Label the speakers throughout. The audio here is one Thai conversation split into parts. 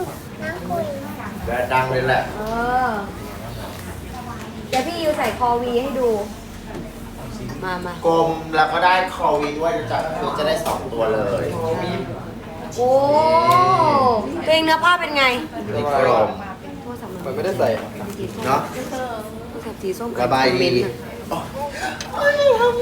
Speaker 1: แบรนด์ดังเลยแหละ
Speaker 2: เออ เดี๋ยวพี่ยูใส่คอวีให้ดู มาก
Speaker 1: ลมแล้วก็ได้คอวีด้วยนะจ๊ะคือจะได้2ตัวเลย
Speaker 2: โอ้ตัวเองเนื้อผ้าเป็นไง
Speaker 1: นี่กลม
Speaker 2: โทรศัพท์
Speaker 3: มันไม่ได้ใส่
Speaker 1: เนาะ
Speaker 2: โทรศัพท์สีส้ม
Speaker 1: ระบายดี
Speaker 2: คอมเมนต์น่ะ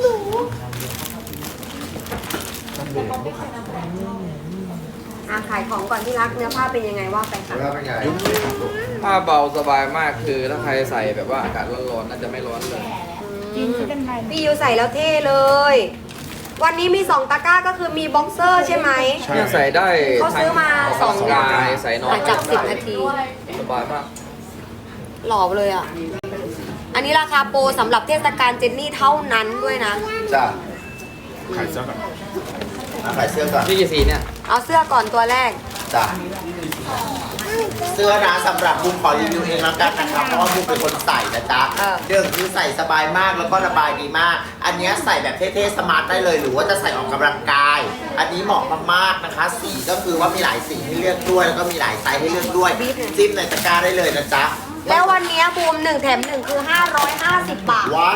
Speaker 2: ขายของก่อนที่รักเนื้อผ้าเป็นยังไงว่าไปค่ะ
Speaker 1: แล้วเป็นไง
Speaker 3: ผ้าเบาสบายมากคือถ้าใครใส่แบบว่าอากาศร้อนๆน่าจะไม่ร้อนเลย
Speaker 2: พี่ยูใส่แล้วเท่เลย วันนี้มี2ตะกร้าก็คือมีบ็อกเซอร์ใช่ไหม
Speaker 3: เนี่ยใส่ได้
Speaker 2: เขาซื้อมา
Speaker 3: ทั้
Speaker 2: 2 อย่าง
Speaker 3: กายใส่นอน
Speaker 2: หลังจาก10 นาที
Speaker 3: สบายมาก
Speaker 2: หล่อเลยอ่ะ อันนี้ราคาโปรสำหรับเทศกาลเจนนี่เท่านั้นด้วยนะ
Speaker 1: จ้ะ
Speaker 4: ขายเสื้อก่อน
Speaker 1: มาขายเสื้อก่อน
Speaker 3: นี่กี่สีเนี่ย
Speaker 2: เอาเสื้อก่อนตัวแรก
Speaker 1: จ้ะเสื้อนะสำหรับบูมขอรีวิวเองแล้วกันนะครับเพราะว่าบูมเป็นคนใส่นะจ๊ะ
Speaker 2: เออ
Speaker 1: เรื่องคือใส่สบายมากแล้วก็ระบายดีมาก อันเนี้ยใส่แบบเท่ๆสมาร์ทได้เลย หรือว่าจะใส่ออกกำลังกาย อันนี้เหมาะมากๆนะคะ สีก็คือว่ามีหลายสีให้เลือกด้วยแล้วก็มีหลายไซส์ให้เลือกด้วยจิ้มในตะกร้าได้เลยนะจ๊ะ
Speaker 2: แล้ววันนี้บูม1 แถม 1 คือ 550 บาท
Speaker 1: ว้าย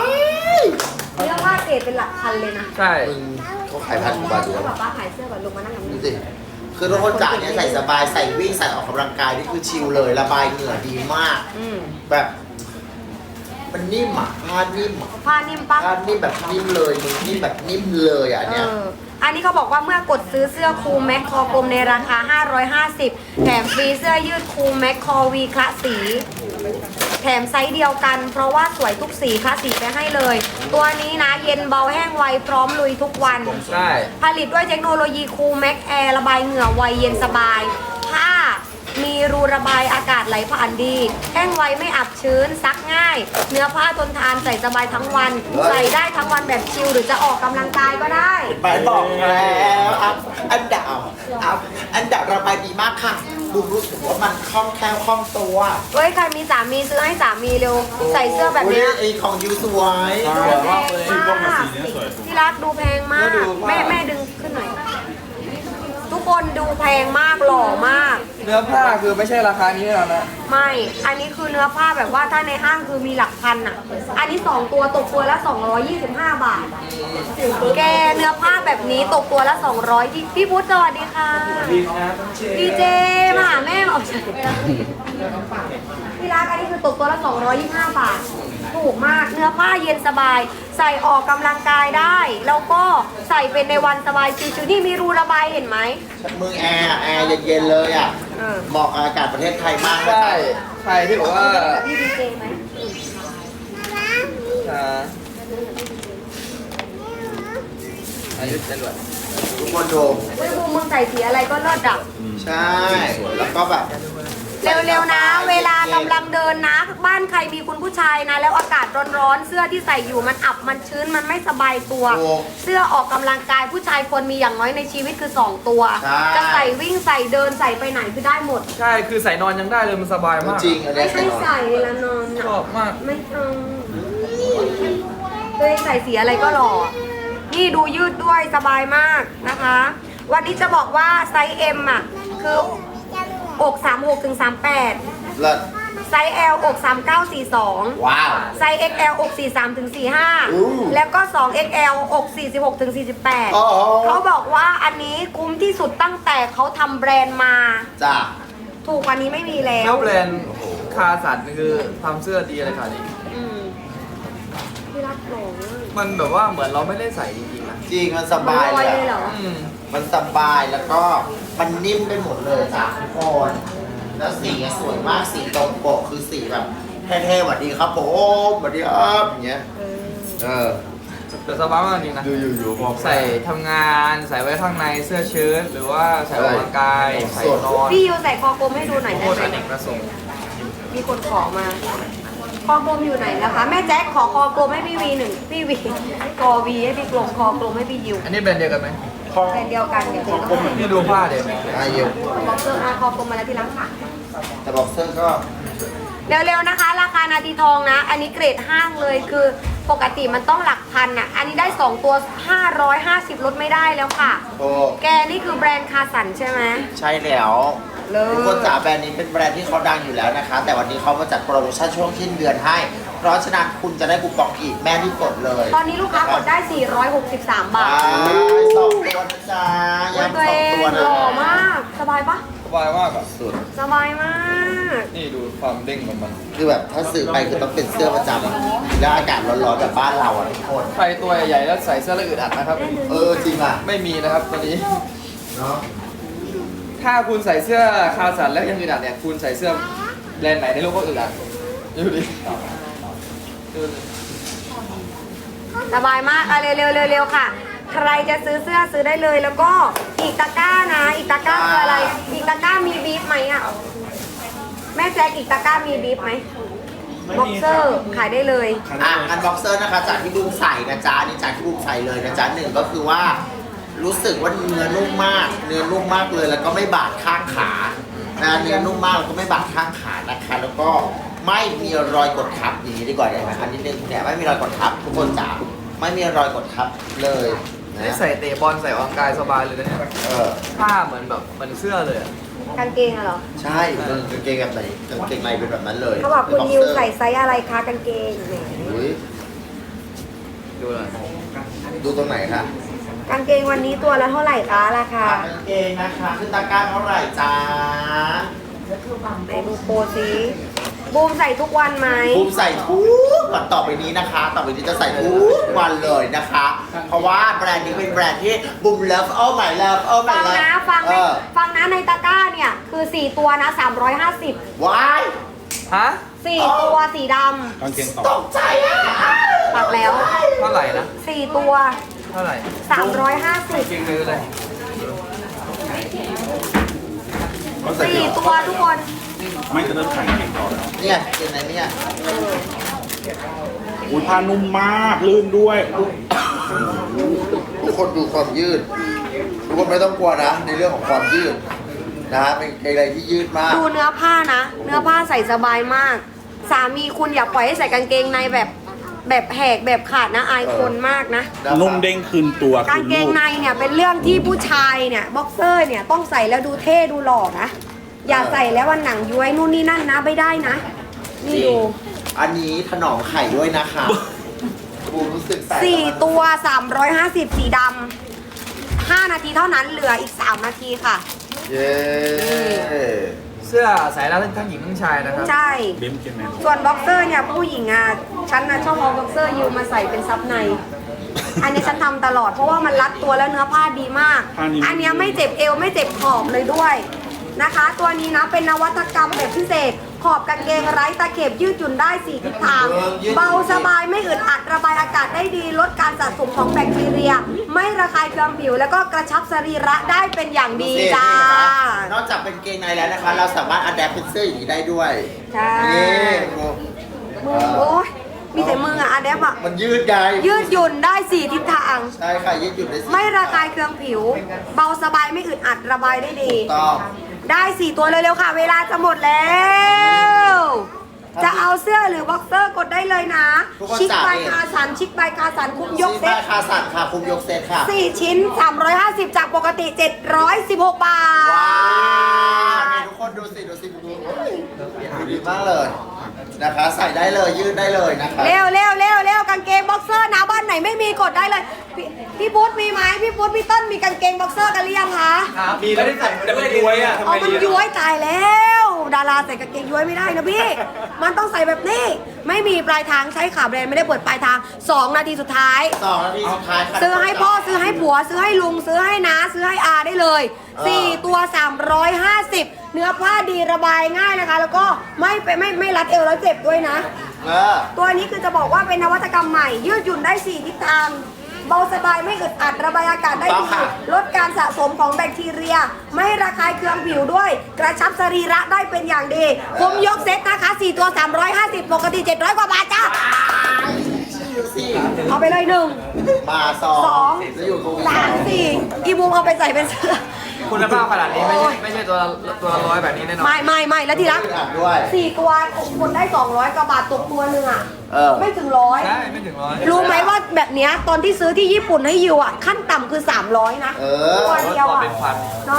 Speaker 2: เนื้อผ้าเกรดเป็นหลักพันเลยนะ
Speaker 3: ใช่
Speaker 1: มึงเขาขายพันกว่าบาทอยู่
Speaker 2: แล้ว
Speaker 1: แล้ว
Speaker 2: ป้าขายเสื้อก่อนลงมานั่งกับ
Speaker 1: ดู
Speaker 2: นี่
Speaker 1: สิคือทุกคนจ๋าเนี่ยใส่สบายใส่วิ่งใส่ออกกำลังกายนี่คือชิลเลยระบายเหงื่อดีมาก
Speaker 2: อืม
Speaker 1: แบบมันนิ่มอ่ะผ้านิ่มอ่ะ
Speaker 2: ผ้านิ่มปะ
Speaker 1: ผ้านิ่มแบบนิ่มเลยมึงนิ่มแบบนิ่มเลยอ่ะเนี่ย
Speaker 2: อันนี้เขาบอกว่าเมื่อกดซื้อเสื้อคูลแม็กคอกลมในราคา 550 แถมฟรีเสื้อยืดคูลแม็กคอวีคละสี แถมไซส์เดียวกันเพราะว่าสวยทุกสีคละสีไปให้เลย ตัวนี้นะเย็นเบาแห้งไวพร้อมลุยทุกวัน
Speaker 3: ใช่
Speaker 2: ผลิตด้วยเทคโนโลยีคูลแม็กแอร์ระบายเหงื่อไวเย็นสบาย ผ้ามีรูระบายอากาศไหลผ่านดี แห้งไวไม่อับชื้นซักง่าย เนื้อผ้าทนทานใส่สบายทั้งวัน ใส่ได้ทั้งวันแบบชิลหรือจะออกกำลังกายก็ได้
Speaker 1: ไปบอกแล้วอันดับระบายดีมากค่ะบูมรู้สึกว่ามันคล่องแคล่วคล่องตัว
Speaker 2: เฮ้ยใครมีสามีซื้อให้สามีเร็ว ใส่เสื้อแบบเนี้ย
Speaker 1: โอ้ยไอของยูสวย
Speaker 2: ดูแพงมากที่รักดูแพงมากแม่ดึงขึ้นหน่อย ทุกคนดูแพงมากหล่อมาก
Speaker 3: เนื้อผ้าคือไม่ใช่ราคานี้แล้วนะ
Speaker 2: ไม่ อันนี้คือเนื้อผ้าแบบว่าถ้าในห้างคือมีหลักพันอ่ะ อันนี้ 2 ตัวตกตัวละ 225 บาท แกเนื้อผ้าแบบนี้ตกตัวละ 200พี่พุทธสวัสดีค่ะดีเจมาหาแม่ออกจากที่ร้านอันนี้คือตกตัวละ 225 บาท ถูกมาก เนื้อผ้าเย็นสบาย ใส่ออกกำลังกายได้ แล้วก็ใส่เป็นในวันสบายชิวๆนี่มีรูระบายเห็นไหม
Speaker 1: มึงแอร์เย็นๆเลยอ่ะ
Speaker 2: เออ
Speaker 1: เหมาะกับอากาศประเทศไทยมากนะ
Speaker 3: ใช่
Speaker 1: คะ
Speaker 3: ใครที่บอกว่า
Speaker 2: พี่ดีเจไหม
Speaker 3: อายุจะรวย
Speaker 1: ทุกคนดู
Speaker 2: เฮ้ยบูมมึงใส่สีอะไรก็เลิศอ่ะ
Speaker 1: ใช่ แล้วก็แบบ
Speaker 2: เร็วๆนะ เวลากำลังเดินนะบ้านใครมีคุณผู้ชายนะ แล้วอากาศร้อนๆเสื้อที่ใส่อยู่มันอับมันชื้นมันไม่สบายตัว เสื้อออกกำลังกายผู้ชายควรมีอย่างน้อยในชีวิตคือ 2 ตัว จะใส่วิ่งใส่เดินใส่ไปไหนคือได้หมด
Speaker 3: ใช่คือใส่นอนยังได้เลยมันสบายมาก
Speaker 1: จริงอัน
Speaker 2: ไม่
Speaker 1: นี้
Speaker 2: ใช่ใส่เวลานอน
Speaker 3: ชอบมาก
Speaker 2: ไม่เอาตัวเองใส่สีอะไรก็หล่อนี่ดูยืดด้วยสบายมากนะคะ วันนี้จะบอกว่าไซส์ M อ่ะคืออก36ถึง38
Speaker 1: เลิศ
Speaker 2: ไซส์ L อก3942
Speaker 1: ว้าว
Speaker 2: ไซส์ XL อก43ถึง
Speaker 1: อู้
Speaker 2: 45 แล้วก็ 2XL อก46ถึง
Speaker 1: โอ้โห
Speaker 2: 48 เขาบอกว่าอันนี้คุ้มที่สุดตั้งแต่เขาทำแบรนด์มา
Speaker 1: จ้ะ
Speaker 2: ถูกกว่านี้ไม่มีแล้
Speaker 3: แล้ว วแบรนด์คาสันคือทำเสื้อดีอะไรขนาดนี้
Speaker 2: อืมพี่รักหลง
Speaker 3: มันแบบว่าเหมือนเราไม่ได้ใส่จริงๆนะ
Speaker 1: จริงมันส
Speaker 2: มัน
Speaker 1: บาย
Speaker 2: ลอย
Speaker 1: เล
Speaker 2: เลย ยเหรอ
Speaker 1: มันสบายแล้วก็มันนิ่มไปหมดเลยจ้ะทุกคนแล้วสีสวยมากสีตรงปกคือสีแบบเท่ๆหวัดดีครับผมหวัดดีครับอย่างเงี้ยเออ
Speaker 3: แต่สบายมากจริงนะ
Speaker 4: ดูอยู่พอ
Speaker 3: ใส่ทำงานใส่ไว้ข้างในเสื้อเชิ้ตหรือว่าใส่ออกกำลังกายใส่นอน
Speaker 2: พี่ยูใส่คอกลมให้ดูหน่อย
Speaker 3: โค
Speaker 2: ได้
Speaker 3: ตร
Speaker 2: ไหม
Speaker 3: อเนกประสงค์
Speaker 2: มีคนขอมา คอกลมอยู่ไหนนะคะ แม่แจ็คขอคอกลมให้พี่วีหนึ่งพี่วีกอวีให้พี่กลมคอกลมให้พี่ยู
Speaker 3: อันนี้แบรนด์เดียวกันไหม
Speaker 2: แบรนด์เดียวกันเดี๋ยวต้องให้
Speaker 3: นี่ดูผ้าเดี๋ยว
Speaker 1: อายุ
Speaker 2: บอกเซอร์คอกลมมาแล้วที่ร้านค่ะ
Speaker 1: แต่บอกเสื้อก็
Speaker 2: เร็วๆนะคะ ราคานาทีทองนะ อันนี้เกรดห้างเลยคือปกติมันต้องหลักพันอ่ะ อันนี้ได้ 2 ตัว 550ลดไม่ได้แล้วค่ะ
Speaker 1: โอ้
Speaker 2: แกนี่คือแบรนด์คาสันใช่ไหม
Speaker 1: ใช่แล้ว
Speaker 2: เลิศ
Speaker 1: ทุกคนจ๋าแบรนด์นี้เป็นแบรนด์ที่เขาดังอยู่แล้วนะคะ แต่วันนี้เขามาจัดโปรโมชั่นช่วงสิ้นเดือนให้ เพราะฉะนั้นคุณจะได้คูปองอีกแม่ที่กดเลย
Speaker 2: ตอนนี้ลูกค้ากดได้ 463 บาท
Speaker 1: สองตัวนะจ๊ะย้ำ
Speaker 2: ตัว
Speaker 1: สอ
Speaker 2: เอง ง
Speaker 1: ตัว
Speaker 2: ห
Speaker 1: นะ
Speaker 2: ล่อมาก สบายปะ
Speaker 3: สบายมากอ่ะ
Speaker 1: สุด
Speaker 2: สบายมาก
Speaker 3: นี่ดูความเด้งของมัน
Speaker 1: คือแบบถ้าซื้อไปคือต้องเป็นเสื้อประจำแล้วอากาศร้อนๆแบบบ้านเราอ่ะทุกคน
Speaker 3: ใครตัวใหญ่ๆแล้วใส่เสื้อแล้วอึดอัดนะครับ
Speaker 1: จริงอ่ะ
Speaker 3: ไม่มีนะครับตัวนี้
Speaker 1: เนาะ
Speaker 3: ถ้าคุณใส่เสื้อคาสันแล้วยังอึดอัดเนี่ย คุณใส่เสื้อแบรนด์ไหนในโลกก็อึดอัดดูดิดูดิ
Speaker 2: สบายมากเร็วๆค่ะ ใครจะซื้อเสื้อซื้อได้เลย แล้วก็อีกตะกร้านะ อีกตะกร้าคืออะไร อีกตะกร้ามีบีฟไหมอ่ะ แม่แจ็คอีกตะกร้ามีบีฟไหมบ็อกเซอร์ขายได้เลย
Speaker 1: อันบ็อกเซอร์นะคะจากที่บูมใส่นะจ๊ะนี่จากที่บูมใส่เลยนะจ๊ะหนึ่งก็คือว่ารู้สึกว่าเนื้อนุ่มมาก เนื้อนุ่มมากเลยแล้วก็ไม่บาดข้างขานะเนื้อนุ่มมากแล้วก็ไม่บาดข้างขานะคะ แล้วก็ไม่มีรอยกดทับอย่างนี้ดีกว่าเนี่ยอันนี้นึงเนี่ยไม่มีรอยกดทับทุกคนจ๋าไม่มีรอยกดทับเลยนะ
Speaker 3: นี่ใส่เตะบอลใส่ออกกำลังกายสบายเลยนะเนี่ย ผ้าเหมือนแบบเหมือนเสื้อเลยอะ
Speaker 2: กางเกงอะเหรอ
Speaker 1: ใช่กางเกงแบบไหนกางเกงในเป็นแบบนั้นเลย
Speaker 2: เขาบอกคุณนิวใส่ไซส์อะไรคะกางเกงแหม
Speaker 1: อุ๊ย
Speaker 3: ดูเลย
Speaker 1: ดูตรงไหนคะ
Speaker 2: กางเกงวันนี้ตัวละเท่าไหร่คะราคา
Speaker 1: กางเกงนะคะขึ้นตะกร้าเท่าไหร่จ้า
Speaker 2: ไหนดูโปรซิบูมใส่ทุกวันไหม
Speaker 1: บูมใส่ทุกวันต่อไปนี้นะคะ ต่อไปนี้จะใส่ทุกวันเลยนะคะ เพราะว่าแบรนด์นี้เป็นแบรนด์ที่บูมเลิฟโอ้ my love โอ้ my
Speaker 2: ฟัง
Speaker 1: love
Speaker 2: นะฟังนะในตะกร้าเนี่ย คือ 4 ตัวนะ 350
Speaker 1: ว้าย
Speaker 3: ฮะ
Speaker 2: 4 ตัวสีด
Speaker 4: กางเกงต่อ
Speaker 1: ตกใจอ่ะ
Speaker 2: ำปักแล้ว
Speaker 3: เท่าไหร่นะ
Speaker 2: 4 ตัว
Speaker 3: เท่าไหร่
Speaker 2: 350
Speaker 3: จริงซื้อเลย
Speaker 2: 4 ตัวทุกคน
Speaker 4: ไม่จะเริ่มขายกางเกงต่อแล้ว
Speaker 1: เนี่ยเกงไหนเนี่ย
Speaker 4: อุ้ยผ้านุ่มมากลื่นด้วย
Speaker 1: ทุกคนดูความยืด ทุกคนไม่ต้องกลัวนะ ในเรื่องของความยืดนะฮะเป็นเกงในที่ยืดมาก
Speaker 2: ดูเนื้อผ้านะ เนื้อผ้าใส่สบายมาก สามีคุณอย่าปล่อยให้ใส่กางเกงในแบบแหกแบบขาดนะอายคนมากนะ
Speaker 4: นุ่มเด้งคืนตัว
Speaker 2: กาง
Speaker 4: คืน
Speaker 2: เก
Speaker 4: ลู
Speaker 2: ง
Speaker 4: ก
Speaker 2: ในเนี่ยเป็นเรื่องที่ผู้ชายเนี่ยบ็อกเซอร์เนี่ยต้องใส่แล้วดูเท่ดูหล่อนะ อย่าใส่แล้ววันหนังย้วยนู่นนี่นั่นนะไม่ได้นะ นี่ดู
Speaker 1: อันนี้ถนอมไข่ด้วยนะคะบูมรู้สึกแปลก
Speaker 2: 4 ตัว 350 สีดำ5 นาทีเท่านั้นเหลืออีก 3 นาทีค่ะ
Speaker 1: เย้
Speaker 3: เสื้อใส่แล้วทั้งหญิงทั้งชายนะครับ
Speaker 2: ใช่
Speaker 4: เบมเกนแมน
Speaker 2: ส่วนบ็อกเซอร์เนี่ยผู้หญิงอ่ะฉันนะชอบเอาบ็อกเซอร์ยูมาใส่เป็นซับใน อันนี้ฉันทำตลอดเพราะว่ามันรัดตัวแล้วเนื้อผ้าดีมาก อันเนี้ยไม่เจ็บเอวไม่เจ็บขอบเลยด้วยนะคะ ตัวนี้นะเป็นนวัตกรรมแบบพิเศษ ขอบกางเกงไร้ตะเข็บยืดหยุ่นได้4ทิศทาง เบาสบายไม่อึดอัดระบายอากาศได้ดีลดการสะสมของแบคทีเรีย ไม่ระคายเคืองผิว แล้วก็กระชับสรีระได้เป็นอย่างดีจ้า
Speaker 1: นอกจากเป็นเกงในแล้วนะคะ เราสามารถอัดแอปเป็นเสื้ออย่างนี้ได้ด้วย
Speaker 2: ใช่
Speaker 1: นี่ดู
Speaker 2: มือโอ้ยมีแต่มืออะอาเดฟอะ
Speaker 1: มันยืดไง
Speaker 2: ยืดหยุ่นได้4ทิศทาง
Speaker 1: ใช่ค่ะยืดหยุ่นได้สิ
Speaker 2: ไม่ระคายเคืองผิว เบาสบายไม่อึดอัดระบายได้ดี
Speaker 1: ต้อง
Speaker 2: ได้ 4 ตัวเร็วๆค่ะ เวลาจะหมดแล้ว จะเอาเสื้อหรือบ็อกเซอร์กดได้เลยนะ ชิคใบคาสันชิคใบคาสันคุ้มยกเซ็
Speaker 1: ซี
Speaker 2: ต
Speaker 1: บ้าคาสัตว์ค่ะคุมยกเซตค่ะ
Speaker 2: 4 ชิ้น 350 จากปกติ 716 บาท
Speaker 1: ว้าวนี่ทุกคนดูสิดูสิดูดีมากเลยนะคะ ใส่ได้เลยยืดได้เลยนะคะ
Speaker 2: เร็วกางเกงบ็อกเซอร์นะบ้านไหนไม่มีกดได้เลย พี่พุทธมีไหมพี่พุทธพี่ต้นมีกางเกงบ็อกเซอร์กันหรือยังคะ
Speaker 3: มีแล้วได้ใส่แต่มันย้วยอ่ะ
Speaker 2: อ๋อมันย้วยตายแล้ว ดาราใส่กางเกงย้วยไม่ได้นะพี่ มันต้องใส่แบบนี้ ไม่มีปลายทางใช้ขาแบรนด์ไม่ได้เปิดปลายทาง 2 นาทีสุดท้าย
Speaker 1: 2 นาทีสุดท้ายค่ะ
Speaker 2: ซื้อให้พ่อซื้อให้ผัวซื้อให้ลุงซื้อให้น้าซื้อให้อาได้เลย 4 ตัว 350 เนื้อผ้าดีระบายง่ายนะคะ แล้วก็ไม่รัดเอวแล้วเจ็บด้วยนะ ตัวนี้คือจะบอกว่าเป็นนวัตกรรมใหม่ ยืดหยุ่นได้ 4 ทิศทาง เบาสบายไม่อึดอัดระบายอากาศได้ดีลดการสะสมของแบคทีเรีย ไม่ระคายเคืองผิวด้วย กระชับสรีระได้เป็นอย่างดีคุ้มยกเซ็ตนะคะ 4 ตัว 350 ปกติ 700 กว่าบาทจ้า
Speaker 1: สี่
Speaker 2: เอาไปเลย1
Speaker 1: มาสอง
Speaker 2: 2
Speaker 1: แล้วอยู่ตรงนี้
Speaker 2: 3 4อีบูมเอาไปใส่เป็นเสื้อ
Speaker 3: คุณภาพขนาดนี้ไม่ใช่ตัวละร้อยแบบนี้แน่นอน
Speaker 2: ไม่แล้วทีละ
Speaker 1: ด้วย
Speaker 2: 4 ตัวคนได้ 200 กว่าบาทตกตัวหนึ่งอ่ะ ไม่ถึงร้อย
Speaker 3: ใช่ไม่ถึงร้อย
Speaker 2: รู้ไหมว่าแบบเนี้ยตอนที่ซื้อที่ญี่ปุ่นให้ยูอ่ะขั้นต่ำคือ 300 นะ ตัวเดียวอ่ะ
Speaker 3: เป็นพัน
Speaker 2: เนาะ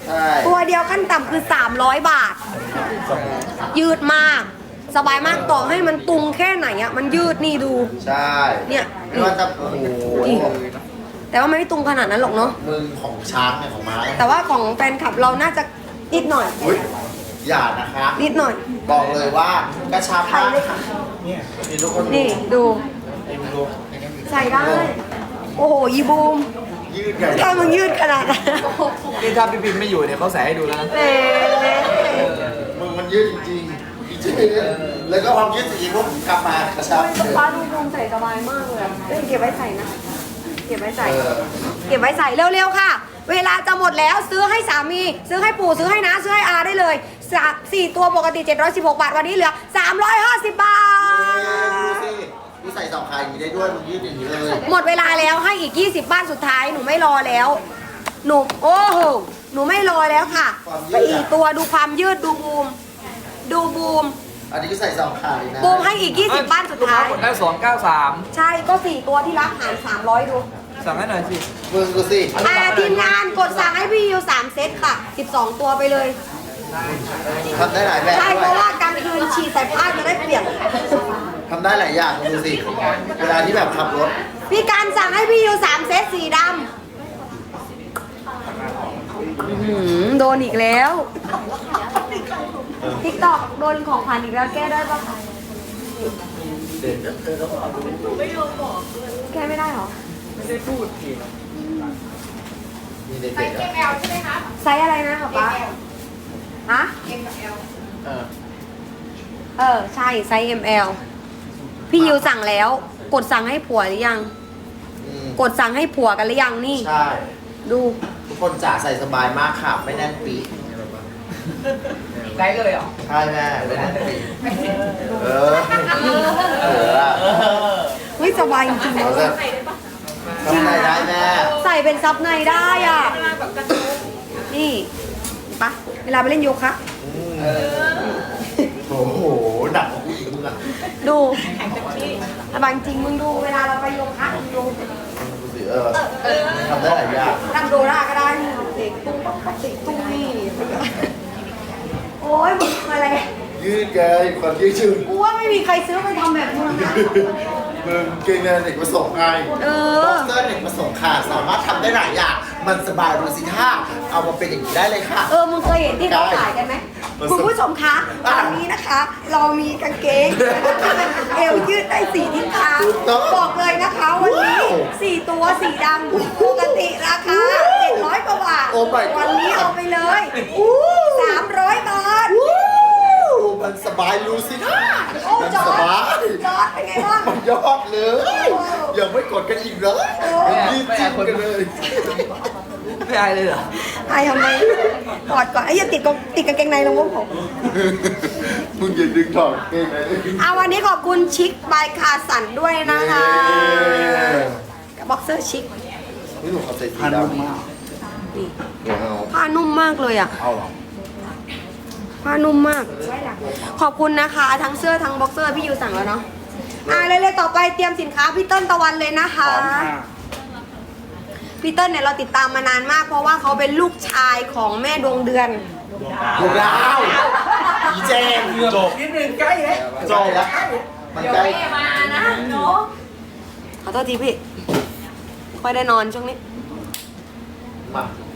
Speaker 1: ใช่
Speaker 2: ตัวเดียวขั้นต่ำคือ 300 บาท ยืดมาก สบายมากต่อให้มันตุงแค่ไหนอ่ะมันยืดนี่ดู
Speaker 1: ใช่
Speaker 2: เนี่ย
Speaker 1: ไม่ว่าจะโอ้โห
Speaker 2: แต่ว่ามันไม่ตุงขนาดนั้นหรอกเนาะ
Speaker 1: มึงของช้างเนี่ยของม้า
Speaker 2: แต่ว่าของแฟนคลับเราน่าจะนิดหน่อย
Speaker 1: อุ๊ยอย่านะคะ
Speaker 2: นิดหน่อย
Speaker 1: บอกเลยว่ากระชับมากค่ะเนี่ยทุกคน
Speaker 2: นี่ดู
Speaker 1: ดู
Speaker 2: ใส่ได้ โอ้โหยีบูม
Speaker 1: ยืดใหญ่
Speaker 2: ถ้ามึงยืดขนาดนั้น
Speaker 3: นี่ถ้าพี่พิมพ์ไม่อยู่เนี่ยเขาใส่ให้ดูแล้วนะ
Speaker 2: แหม
Speaker 1: มึงมันยืดจริงๆจริงๆแล้วก็ความยืดสีพวกกลับมากระชับ
Speaker 2: ฟ้าดูบูมใส่สบายมากเลยอะเอ้ยเก็บไว้ใส่นะ เก็บไว้ใส่
Speaker 1: เออ
Speaker 2: เก็บไว้ใส่เร็วๆค่ะ เวลาจะหมดแล้วซื้อให้สามี ซื้อให้ปู่ซื้อให้น้าซื้อให้อาได้เลย4 ตัวปกติ716 บาทวันนี้เหลือ350 บา
Speaker 1: ดู
Speaker 2: ท
Speaker 1: สิดูใส่สองขาอย่างนี้ได้ด้วยมึงยืดอย่างนี้เลย
Speaker 2: หมดเวลาแล้วให้อีก 20 บ้านสุดท้ายหนูไม่รอแล้ว หนูโอ้โหหนูไม่รอแล้วค่ะไปอีกตัวดูความยืดดูบูม ดูบูม
Speaker 1: อันนี้ก็ใส่สองขาเลยนะ
Speaker 2: บูมให้อีก 20 บ้านสุดท้าย
Speaker 3: กดได้293
Speaker 2: ใช่ก็ 4 ตัวที่รับหาร300 ดู
Speaker 3: สั่งให้หน่อยสิ
Speaker 1: มึงดูสิ
Speaker 2: ทีมงานกดสั่งให้พี่ยู3เซตค่ะ 12 ตัวไปเลย
Speaker 1: ทำได้หลายแบบ
Speaker 2: ใช่
Speaker 1: ด้
Speaker 2: เพ
Speaker 1: วย
Speaker 2: ราะว่ากลางคืนฉีดใส่ผ้าจะได้เปลี่ยน
Speaker 1: ทำได้หลายอย่างดูสิเวลาที่แบบขับรถ
Speaker 2: พี่การสั่งให้พี่ยู3เซตสีดำโดนอีกแล้วทิกตอกโดนของขวัญอีกแล้วแก้ได้ปะคะแก้ไม่ได้เหรอ
Speaker 1: มีเด็กๆอ่ะ
Speaker 2: ไซส์อะไรนะป๊าฮะ
Speaker 1: เออ
Speaker 2: ใช่ไซส์ ML พี่ยูสั่งแล้ว กดสั่งให้ผัวหรือยัง
Speaker 1: อืม
Speaker 2: กดสั่งให้ผัวกันหรือยังนี่
Speaker 1: ใช่
Speaker 2: ดู
Speaker 1: ทุกคนจ๋าใส่สบายมากค่ะ ไม่แน่นปีก
Speaker 3: ได้เลยเหรอ
Speaker 1: ใช่แม่ไม่แน่นปีกเออเออ
Speaker 2: เฮ้ยสบายจริงๆ
Speaker 1: เอา
Speaker 2: เล
Speaker 1: เลย ยทำไงได้แม่
Speaker 2: ใส่เป็นซับในได้อ่ะ นี่ปะเวลาไปเล่นโยคะ
Speaker 1: โอ้โหหนักกว่าผู้หญิงมึงอ่ะ
Speaker 2: ดูสบายจริงมึงดูเวลาเราไปโยคะมึงดู
Speaker 1: ดูสิทำได้หลายอย่าง
Speaker 2: ทำโดราก็ได้เด็กตุ้งเด็กตุ้งนี่ โอ้ยมึงอะไร
Speaker 1: ยืดไงความยืดชื่น
Speaker 2: กูว่าไม่มีใครซื้อไปทำแบบมึงนะ
Speaker 1: มึงเกงในเด็กประสงค์ไง
Speaker 2: เอ
Speaker 1: บ็
Speaker 2: อ
Speaker 1: อกเซอร์เด็กประสงค์ค่ะสามารถทำได้หลายอย่างมันสบายดูสิท่าเอามาเป็นอย่างนี้ได้เลยค่ะ
Speaker 2: มึงเคยเห็นที่เขาขายกันไหมคุณผู้ชมคะตอนนี้นะคะ เรามีกางเกงเอวยืดได้4ทิศทางบอกเลยนะคะวันนี้4ตัวสีดำปกติราคา700 กว่าบาทวันนี้เอาไปเลย300 บาท
Speaker 1: มันสบายดูสิท่า
Speaker 2: โอ้
Speaker 1: มัน
Speaker 2: จอ
Speaker 1: ส
Speaker 2: ด
Speaker 1: บาย
Speaker 2: จอดเป็นไงบ้าง
Speaker 1: มันยอดเลยอย่าไม่กดกันอีกเลยรีบจิ้มกันเลย
Speaker 3: ไม่อายเลยเหรอ
Speaker 2: ไอ้ทำไมกอดก่อนไอ้อย่าติดกางเกงในลงพวกผม
Speaker 1: มึงอย่าดึงถอดเกงในเลย
Speaker 2: วันนี้ขอบคุณชิคบายคาสันด้วยนะคะกับบ็อกเซอร์ชิค
Speaker 1: นี่หนูเขาใส่สี
Speaker 4: พัน
Speaker 1: ดำ
Speaker 4: มาก
Speaker 2: นี่
Speaker 1: ว้าว
Speaker 2: ผ้านุ่มมากเลยอ่ะ
Speaker 1: เอาเหรอ
Speaker 2: ผ้านุ่มมาก ขอบคุณนะคะ ทั้งเสื้อทั้งบ็อกเซอร์พี่ยูสั่งแล้วเนาะเลยต่อไปเตรียมสินค้าพี่เติ้ลตะวันเลยนะคะ
Speaker 4: พร้อมค่ะ
Speaker 2: พี่เติ้ลเนี่ยเราติดตามมานานมาก เพราะว่าเขาเป็นลูกชายของแม่ดวงเดือน
Speaker 1: ดวงดาวอีเจมจบ
Speaker 3: นิดนึงใกล้เลย
Speaker 1: จบแล้วมันใกล้
Speaker 2: ขอโทษทีพี่ ค่อยได้นอนช่วงนี้
Speaker 1: มา